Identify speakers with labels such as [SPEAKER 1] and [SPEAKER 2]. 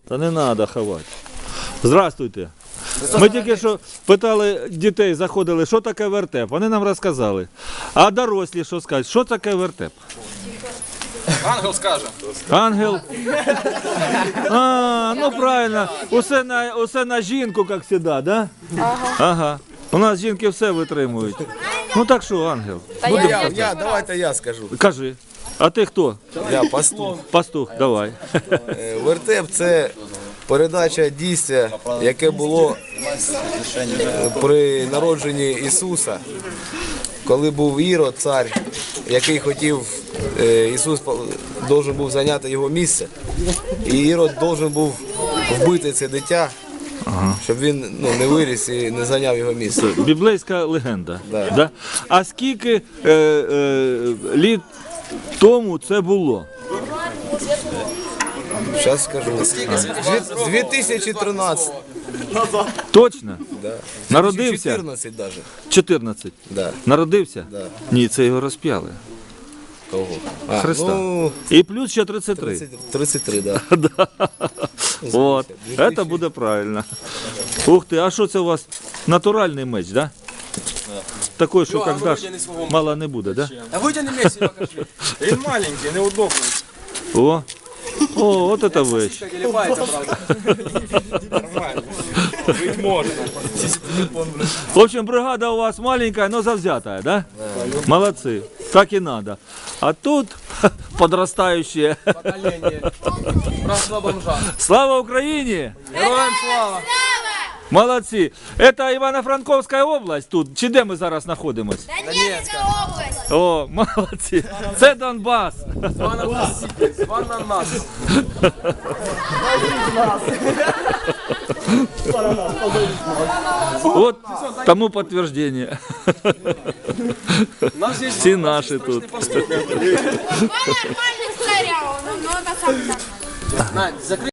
[SPEAKER 1] Та не треба ховати. Здравствуйте. Ми тільки що питали дітей, заходили, що таке вертеп. Вони нам розказали. А дорослі що скажуть? Що таке вертеп?
[SPEAKER 2] Ангел скаже.
[SPEAKER 1] Ангел? А, ну правильно. Усе на жінку, як завжди, да? Ага. У нас жінки все витримують. Ну так що, ангел?
[SPEAKER 3] Давайте я скажу.
[SPEAKER 1] Кажи. А ти хто?
[SPEAKER 3] Я пастух.
[SPEAKER 1] Пастух, давай.
[SPEAKER 3] Вертеп – це передача дійства, яке було при народженні Ісуса, коли був Ірод, цар, який хотів, Ісус повинен був зайняти його місце, і Ірод повинен був вбити це дитя, щоб він не виріс і не зайняв його місце.
[SPEAKER 1] Біблейська легенда.
[SPEAKER 3] Да.
[SPEAKER 1] Да? А скільки літ тому це було?
[SPEAKER 3] Зараз скажу. 2013.
[SPEAKER 1] Точно?
[SPEAKER 3] Да.
[SPEAKER 1] Народився?
[SPEAKER 3] 2014 навіть.
[SPEAKER 1] 14.
[SPEAKER 3] Да.
[SPEAKER 1] Народився?
[SPEAKER 3] Да.
[SPEAKER 1] Ні, це його розп'яли.
[SPEAKER 3] Кого?
[SPEAKER 1] Христа.
[SPEAKER 3] Ну,
[SPEAKER 1] І плюс ще 33.
[SPEAKER 3] 33, да.
[SPEAKER 1] От, це буде правильно. Ух ти, а що це у вас? Натуральний меч, да? Такий, що як даш, мало не буде, да?
[SPEAKER 2] А витягни м'яч і покажи. Він маленький, неудобний.
[SPEAKER 1] О, от это вещь.
[SPEAKER 2] Телепається, правда. Нормально. Жить можна.
[SPEAKER 1] В общем, бригада у вас маленькая, но завзятая, да? Молодцы, так и надо. А тут подрастающие.
[SPEAKER 2] Покоління. Братство бомжа.
[SPEAKER 1] Слава Украине!
[SPEAKER 2] Героям слава.
[SPEAKER 1] Молодці. Это Івано-Франковська область тут, чи де ми зараз знаходимось?
[SPEAKER 4] Донецкая область.
[SPEAKER 1] О, молодці. Це Донбас.
[SPEAKER 2] Зван на нас.
[SPEAKER 1] От тому підтвердження.
[SPEAKER 2] Нас здесь
[SPEAKER 1] Всі наші тут.
[SPEAKER 4] Два нормальных царя, но это сам так.
[SPEAKER 2] Надь, закрий.